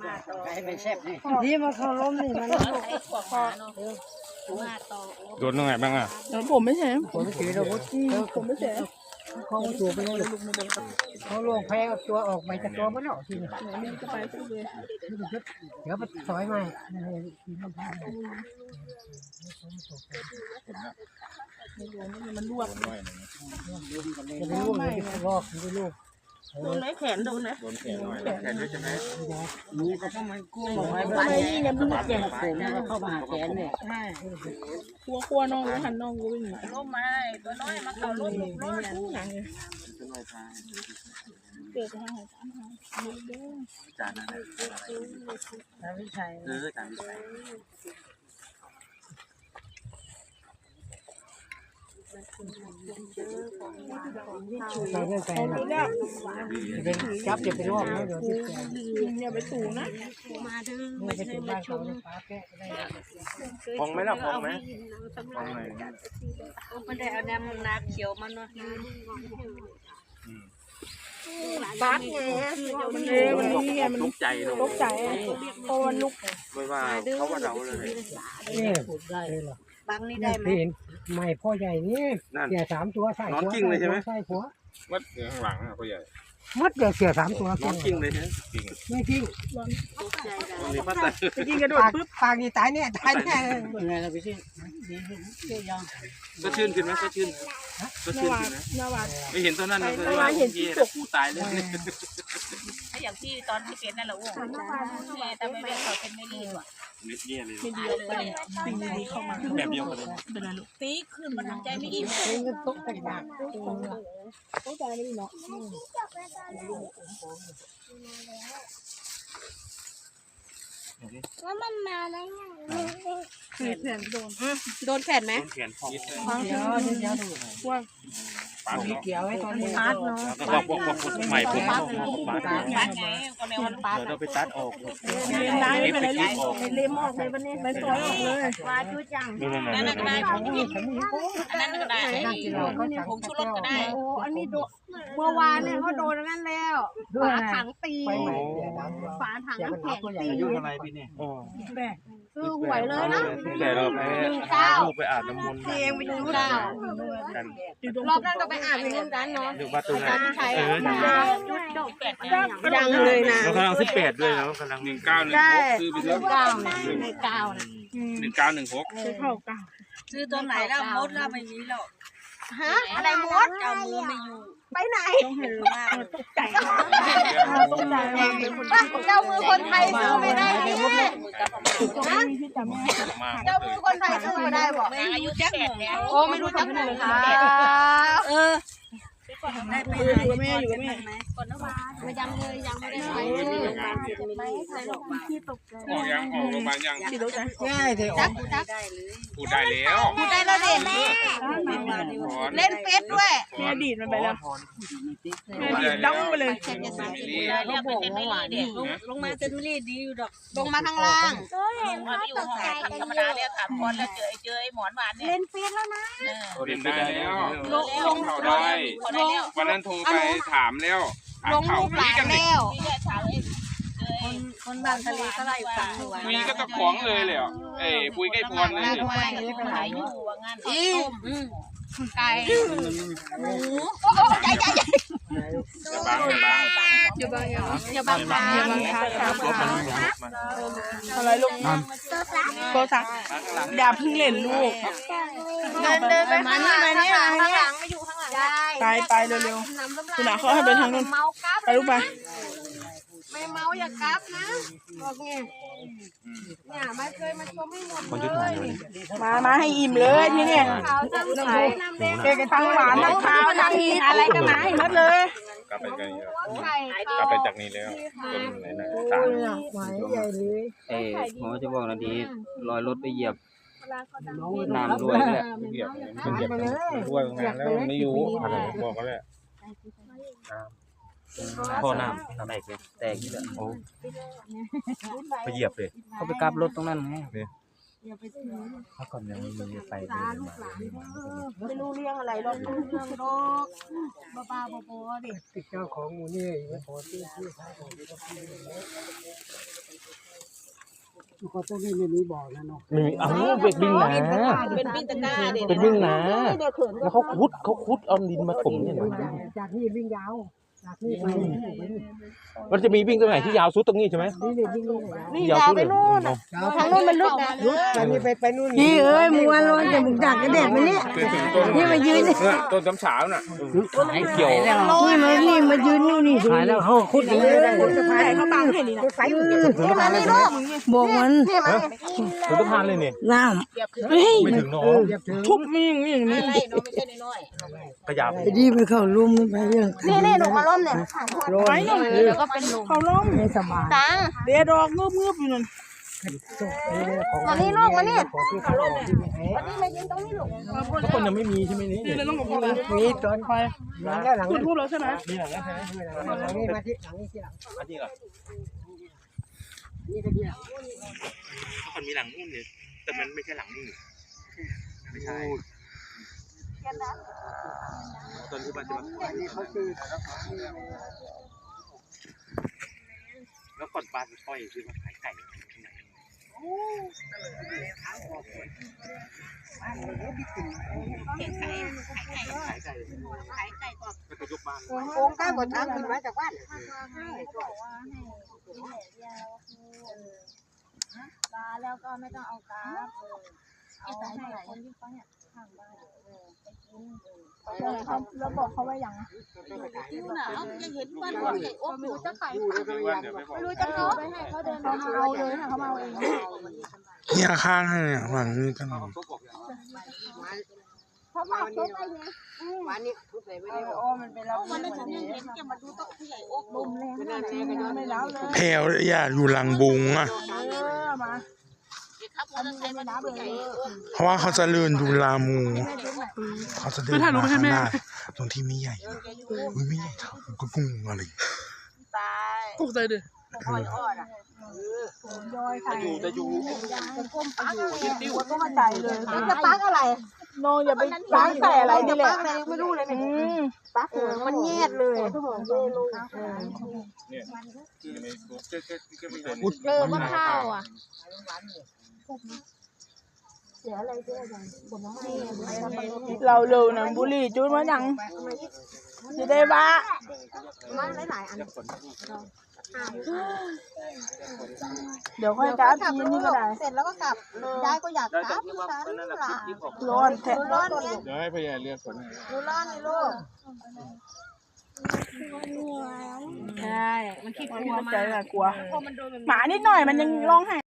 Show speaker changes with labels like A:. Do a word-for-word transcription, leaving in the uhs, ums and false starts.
A: ให้เป็นแซ่บนี่
B: นี่มาเขาล้มนี่มัน
C: โดนตรงไหนบ้างอ่ะ
B: ผมไม่ใช่
A: ผมไม่ถือเราผมไม่ใช่เขาตัวไปเลยเขาลงแพ้ตัวออกไปจากตัวมันหรอกทีนี้เดี๋ยวไปถอยมา
B: มันรวบ
A: จะไปลูกเลยลอกจะไปลูก
B: โดนไหนแขนโดนไหน
C: โดนแขนหน่อยแขนด้วยใช่ไหม
A: นี่ก็ต้องมันกุ้งลงไป
B: ทำไมนี่ยังไม่หมดเลย
A: ผมก็เข้ามาหาแกนเนี่ย
B: กลัวกลัวน้องหันน้องกูวิ่ง
D: ล้มมาตัวน้อยมันเขาล้ม
B: น้องกูหนังเลยเกิดห้าสามห้า
C: จานนั้น
A: วิชัย
C: เออจานวิสัย
A: ไปเรื่อยไปเป็นจับจะไปรอบนะเดี๋ยวที่แก
B: เนี่ยไปสูงนะ
D: มาดื้อ
A: ไม่
D: ไม่
A: ใช่
D: ใช่
A: เป็น
D: มา
A: บ้าน
D: ช
A: เขา
D: ม
A: ฟ้าแกะได้
C: พองไหมล่ะพองไหมพองไหน
D: มันได้เอาแนมนาเขียวมันเนาะ
B: บัสไงมันเลยมันนี่มัน
C: ตกใจเนาะ
B: ตกใจโตมันลุก
C: ไม่ว่าเขาว่าเราเลย
A: นี่ได้เลยหรอบ
D: างนี่ได้ไหม
A: เห็นไม่พ่อใหญ่นี่เสียสามตัวใส่หัวใส่หัว
C: วัดข้างหลังอ่ะพ่อใหญ่
A: มัดเดี๋ยวเสียสามตัวน
C: อนกิ้งเลยใช่ไหมกิ้ง
A: ไม่จริง
D: ตกใจได้
C: วันนี้ป้าแต่
B: จริงกระโดด
A: ปาก
B: ปึ๊บ
A: ปากนี่ตายเนี่ยตายเนี่ยเป็นไงล่ะพี่ชิยัง
C: ก็ชื่นขึ้นไหมก็ชื่นก็
B: น
C: ชื่น
B: วา
C: ขึ้นไหม
B: นวา
C: ไม่เห็นตอนนั้นนะก็ว่ากูตายเลย
D: ถ้าอย่างที่ตอนที่เป็นนั่นแหละอ้วงแม่แต่ไม่เป็นเขาเป็นไม่รีบอ่ะ
C: นิดเดียวเลย
B: ไม่ดีไปสิ่งดีๆเข้ามา
C: แบบเดียวกันเลย
B: เป็นไรลูก
D: ตีขึ้นมันทำใจไม่ดี
A: เป็นก็ตกแต่งหนัก
B: ตกใจไม่ดีเนาะ
E: แล้วมันมาแล้วไง
B: คือแขนโดน
D: โดนแขนไหม
C: แขนพอง
A: เดี๋ยวเดี๋ยวดู
B: ว่า
C: ปาก
A: มีเกี่ยวไว้ตอนนี้
D: พาดเนาะ
C: แล้วก็พวกพวกใหม่ผมพวกปาก
D: พาดไงก็แนวมันพาด
C: เดี๋ยวเราไปตัดออก
B: เล่นได้ไม่เป็นไรลูกเล่มออกเลยวันนี้ไปสวยออกเลย
D: ว่าชุดจัง
C: นี่นั่น
D: นั่นก็ได้
A: ผมมีผมมี
D: อันนั้นก็ได้ผงชูรสก็ได้
E: โอ้อันนี้โดนเมื่อวานเนี่ยเขาโดนงั้นแล้วฝาถังตีฝาถังน้ำแข็งตี
C: อายุเท่าไรพี่นี่
E: ซื้อหวยเลยนะ
C: แต่เราไปลูกไปอาบน้ำมนต์
E: เตียงไปดูเก้า
C: กัน
E: รอบนั้นก็ไปอ่านไปเรื่องนั้นเนาะ
C: อยู่วัดตรงนั้นเออ
D: ชุดดอกแปด
B: ยังเลยนะ
C: เรากำลังสิบแปดด้วยแล้วกำลังหนึ่งเก้าหนึ่งหกซื้อไปเยอะ
E: เก้านะในเก้านะ
C: หนึ่งเก้าหนึ่งหก
B: ซื้อข้าวเก่า
D: ซื้อตัวไหนแล้วมดแล้วไม่มีแล้ว
E: ฮะอะไรมด
D: เจ้ามือไม่อยู่
E: ไปไหน
B: ต้องเห็น
D: มาก
B: ตกใจตกใจ
E: เจ้ามือคนไทยซื้อไม่ได้เนี่ย
B: นะที่จำไม่ได้
C: มา
E: เจ้ามือคนไทยซื้อไม่ได้บอก
D: อายุแจ็คหมงแล้ว
E: โอ้ไม่รู้จักเลยค่ะเออ
D: ได้ไป
B: อยู่กับแม่อยู่กับแม่
D: ก่อนนะว่า
E: ไม่ยังเลยยังไม่ได้ไปเลย
B: ที่ตกใจ
C: ออกยังออกโรงพยาบาลยัง
B: ที่รู้ใจ
A: ง่ายเถอะ
E: จักจัก
D: ได้เลย
C: พูดได้แล้ว
E: พูดได้แล้วเด็แม่เล่นเฟซด้วย
B: แม่ดีดมันไปแล้วแม่ดีดดังไปเลย
D: เรียกเป็นไม่รีเด็กลงมาเป็นไม่รีดีอยู่ดอก
E: ลงมาข้างล่าง
D: มาอยู่ห้องธรรมดาเนี่ยถามคนแล้วเจอเจอไอ้หมอนหวานเนี่ย
E: เล่นเฟซแล้วนะ
C: เรียนได้แล้ว
E: ลงลง
C: เขาได้
D: คนได้แล้ว
C: วันนั้นโทรไปถามแล้ว
E: ลงรูปหลานแล้ว
D: มีแค่ถามไอ้คนคนบางทะเลก็ไล่ฟังอยู่
C: คุยก็ตะขวงเลยเลยอ่ะเอ้ปุยใกล้พรเลย
D: ขายอยู่ว่างั้น
E: อีไก่หมูโอ้ใหญ่ใหญ่ใหญ่
C: จะบางจะบาง
B: อยู่บ้านยัง
E: อย่าบังคับ
B: อย่าบังคับอะไรลูกโกซักอย่าเพิ่งเล่นลูก
E: เดินเดินไปมานี่มานี่มาข้างหลังไม่อยู่ข้างหลัง
B: ไปไปเร็วๆคุณหนาเขาให้ไปทางนู้น
E: เมากับ
B: ไปลูกไป
E: ไม่เมาอย่ากับนะบอกไงเนี่ยมาเคยมาชมไม่หมดเลย
B: มามาให้อิ่มเลยที่เนี่ย
E: เขาจะใส่น้ำแดง
B: เด็กทั้งหวานทั้งข้าวทั้งอีอะไรก็มาให้หมดเลย
C: กลับไปกัน
E: ไข่
C: กลับไปจากนี้แล้วเป็นไหนนะสาม
A: หมายใหญ่เลย
F: เอ้หมอจะบอกนาทีลอยรถไปเหยียบน้ำด้วยแหละ
C: เหยียบมันเหยียบด้วยงานแล้วไม่อยู่อะไรบอกก็แล้ว
F: พ่อน้ำแตกเลยแตกนี่แหละโอ้
C: ไปเหยียบเลย
F: เขาไปกลับรถตรงนั้นไง
C: ถ้าก่อนยังไม่มีไปเลย
E: ไม่รู้เรื่องอะไรหรอกเรื่องโรคบ้าๆบอๆดิ
A: ติดเจ้าของหมูนี่ไม่พอที่ที่ท้ายของก็ต้องมีไม่มีบอกนะเนาะ
C: ไม่มีอ้าวเป็นวิ่งหนา
D: เป็นวิ่งตะกร้าเด็
C: เป็นวิ่งหนาแล้วเขาคุดเขาคุดเอาดินมาถมเนี่ย
A: จากนี่วิ่งยาวจากนี่ไปนี่
C: มันจะมีวิ่งตรงไหนที่ยาวสุดตรงนี้ใช่ไหม
A: นี่เลยวิ่งลง
B: วิ่งยาวไปนู่นน่ะทางนู้นมันลึกนะ
A: รุดไปนี่ไปไปนู่น
B: พี่เอ้ยมัวร้อนแต่มึงจากกระเด็ดมาเนี่ยนี่มายืนนี่
C: ต้นจำเช้าน่ะเกี่ยว
B: มานี่มายืนนี่นี่
A: ขายแล้วเขาคุดเลยได้
B: ถ่ายเขาบังให้นี่นะ
A: ใส่
B: นี่มานี่ลูกบอกมัน
C: ถึงสะพานเลยเนี่ย
B: น้ำเฮ้ย
C: ไม่ถึงน้อง
B: ทุบมีอย่างนี้นี่
D: อะไรเนาะไม่ใช่น้อย
C: ขยับ
B: ไอ้ดีไปเข้าลุ่มไปเรื่องนี่นี่หนูมาล้มเนี่ยไปหน่อยแล้วก็เป็นลมเขาล้ม
A: ไม่สบาย
B: ตาเดี๋ยวดอกเงือบเงือบอยู่นั่นมานี่ลูกมานี่
C: ทุกคนยังไม่มีใช่ไหมนี่
B: นี่เราต้องกับพ่อ
A: มีตอนไปหลังแล้วหลัง
B: จุดทูบแล้วใช่ไหม
C: นี่หลังแล้วใช่ไหม
A: หลังนี้มาที่หลังนี้ที่หลัง
C: อันนี้เหรอ
A: นี่ก็ที่หลัง
C: มันมีหลังนู่นเนี่ยแต่มันไม่ใช่หลังนี่ไม่ใช่ตอนที่มันจะมา
A: นี่เขาคือ
C: แล้วก่อนปลาจะปล่อยคือมาขายไก่ที่ไหนขายไก่ขายไก่ก็จะยกบ้าน
A: โค้งก้าวกดทางขึ้นมาจากบ้าน
G: ปลาแล้วก็ไม่ต้องเอากราฟเอาให้คนที่เขาเนี่ยทางบ้านไปกินแล้วบอกเขาว่าอย่าง
D: ๆคิ้วหนาวยังเห็นวันว่าใหญ่โอ้ไม่รู้จะขาย
G: ไม่รู้จะเอาไปให้เขาเดินเขาเอาเลยค่ะเขาเอาเอง
H: เนี่ยข้างให้เนี่ยหลังนี้กัน
G: เพราะว่าเขาไปไง
A: วันนี้ทุบใส่ไม่ได้
B: โอ้มันเป็นเรา
D: วันนั้นฉันยังเห็นแกมาดูโต๊ะผู้ใหญ่โอ้
G: ลมแรงมากเลย
B: ไม่แล้วเลย
H: แพลวอย่าอยู่หลังบุงอ่ะ
B: เออมา
D: ครับมอเตอร์ไซค์มาดูผู้ใหญ่โอ้
H: เพราะว่าเขาจะเลื่อนดูลามู เขาจะเดินมาข้างหน้าตรงที่ไม่ใหญ่อุ้ยไม่ใหญ่เท่าก็กุ้งอะไร
D: ตาย
B: ตกใจดิ
D: อ่อนอ่อนอ่ะ
B: ย้อยใส่
C: อยู่จะอยู่
B: ก็มาใจเลย
G: จะปักอะไร
B: น้องอย่าไปล้างใส่อะไรนี่แหละ
G: ไม่รู้เลย
B: อืม
G: ปักมันแยดเลย เจอมะพร้าวอ่ะเสียอะไรเสียอะไรผลไม้
B: เราเร็วนะบุหรี่จุดมายังจะได้บ้า
G: มาหลายๆอัน
B: เดี๋ยวค่อยกราฟทีนี่ก็ได้
G: เสร็จแล้วก็กลับยายก็อยากกลับ
C: นั่นแหละคลิปออก
B: ร้อนแท้
G: ร้อนเนี่ย
C: เดี๋ยวให้พยาเรียกฝน
G: ดูร้อนนี่ลูก
B: ใช่มันคิดกลัวใจอะกลัวหมานิดหน่อยมันยังร้องไห้